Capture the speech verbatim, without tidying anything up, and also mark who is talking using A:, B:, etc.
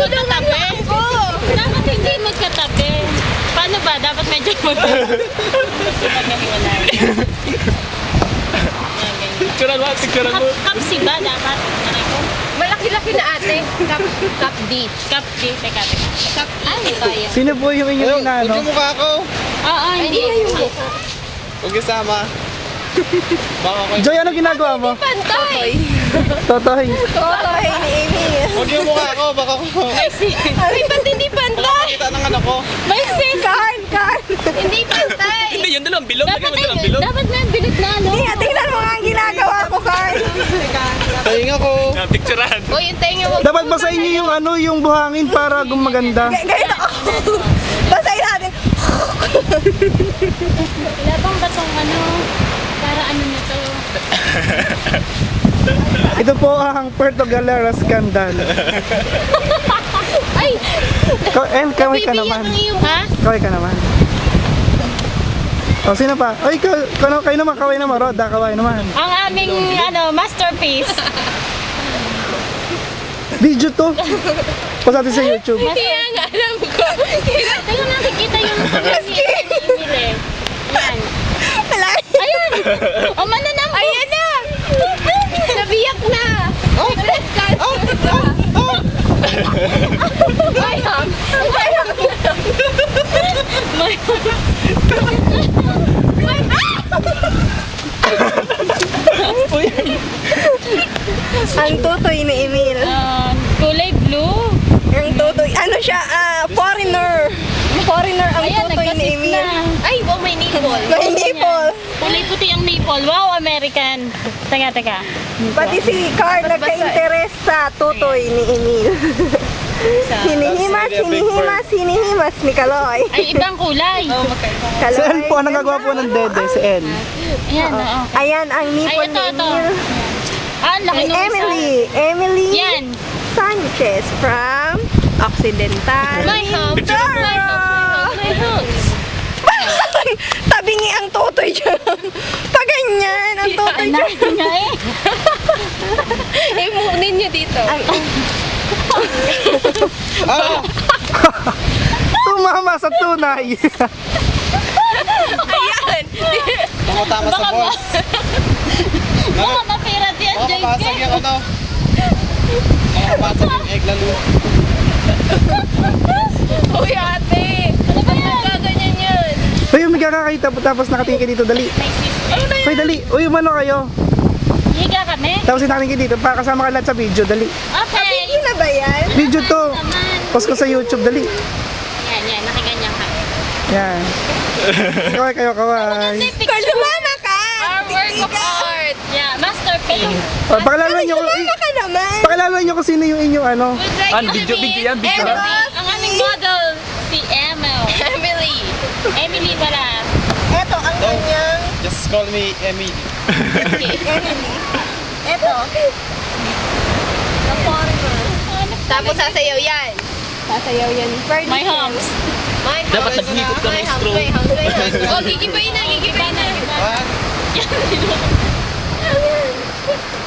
A: magkatabi. Dapat hindi magkatabi. Paano ba? Dapat medyo magkatabi.
B: Picturean mo, picturean mo.
A: Kapsi ba dapat?
C: Malaki-laki na ate. Cup, cup D.
A: Cup D. Teka, teka.
C: Cup E. Ay, kaya.
D: Sino po yung inyong
B: Huwag
D: inaano?
B: yung mukha ko.
A: Oo, hindi.
B: Huwag kasama. Baka ko.
D: Joy, ano ginagawa mo?
C: Pantay.
D: Totoy.
C: Totoy ni Amy.
B: Huwag yung mukha ko. Baka ko.
C: Ay, ba't hindi pantay?
B: Kita ng anak ko.
A: May sin.
C: Karn, Karn. Hindi pantay.
B: Hindi, yun dalawang bilog.
A: Dapat
B: Lagyan mo dalawang
A: na,
B: bilog.
A: dapat na bilog na, no?
C: Hindi, tingnan mo nga ang ginagawa ko, Karn.
B: Tahinga ko. Picturean.
C: O, yung tenga mo.
D: Dapat basahin niyo yung ano, yung buhangin para gumaganda.
C: Ganito ako. Basahin natin.
A: Wala bang batong ano? Para ano na to?
D: Ito po ang Puerto Galera scandal.
A: Ay!
D: Ka- El, kaway ka naman.
A: Ha?
D: Kaway ka naman. O, sino pa? Ay, ka, kayo, kayo naman, kaway naman. Roda, kaway naman.
A: Ang aming ano, masterpiece.
D: Video to. Post natin sa YouTube.
A: Kaya nga alam ko. Teka nakikita yung pinili. Yan.
C: Wala.
A: Ayun! O mananam ko!
C: Ayan na. Nabiyak na. Oh, breast cancer. May ham. May ham.
A: May...
C: Ang tutoy ni Emil.
A: Ah, kulay blue.
C: Ang tutoy. Ano siya? Ah, foreigner. Foreigner ang
A: Ayan,
C: tutoy ni
A: nagkasip
C: Emil.
A: na.
C: Ay, wow, may nipple. May nipple.
A: Kulay puti ang nipple. Wow, American. Teka, teka.
C: Pati si Carl nagka-interest sa tutoy ni Emil. Hinihimas, hinihimas, hinihimas ni Kaloy.
A: Ay, ibang kulay.
D: Si El po, ang nagagawa po ng dede, si El.
A: Ayan, oo.
C: Ayan ang nipple
A: Ay, ito,
C: ni
A: ito.
C: Emil.
A: Ah, laki
C: Ay,
A: nung isa.
C: Emily. Emily
A: Yan.
C: Sanchez from Occidental.
A: My home. My home. My home.
C: Tabingi ang tutoy dyan. Paganyan ang tutoy dyan.
A: Anak niya eh.
C: Imunin niyo dito. Ay,
B: Ah!
D: Tumama sa tunay.
C: ayan.
B: Tumatama sa
A: Baka
B: ball.
A: ma- Baka mapirat yan,
B: Baka
A: J
B: mabasag
A: K.
B: yung ano. Baka mabasag yung egg lalo.
C: Uy, ate.
A: Ano ba yan?
C: Gaganyan yun.
D: Uy, may kakakita po tapos nakatingin kayo dito, dali.
A: May sister.
D: Uy, dali. Uy, umano kayo.
A: Higa kami.
D: Tapos nakatingin kayo dito, para kasama ka lahat sa video, dali.
A: Okay.
C: Yun na ba yan?
D: Video to.
A: Naman.
D: Post ko sa YouTube, dali.
A: Yan, yan. Nakiganyan ka.
D: Yan. Kaway kayo, kaway.
C: Carl, sumama ka.
A: Our work of art. Yeah, masterpiece.
D: O, pakilala nyo,
C: Sumama ka naman.
D: pakilala nyo kung sino yung inyong ano.
A: Would like
B: An,
A: to
B: video,
A: meet
B: video yan, video.
A: Emily. Ang aming model, si Emil.
C: Emily.
A: Emily pala.
C: Eto ang kanyang
B: Just call me Emmy.
C: Emily. Eto. The foreigner. Tapos sasayaw yan. Sasayaw yan.
A: My homes.
C: My house.
B: Dapat naghihigop ka ng
C: My house,
B: straw.
C: my house, my house. Oh, gigibayin na, gigibayin na.
B: Ah?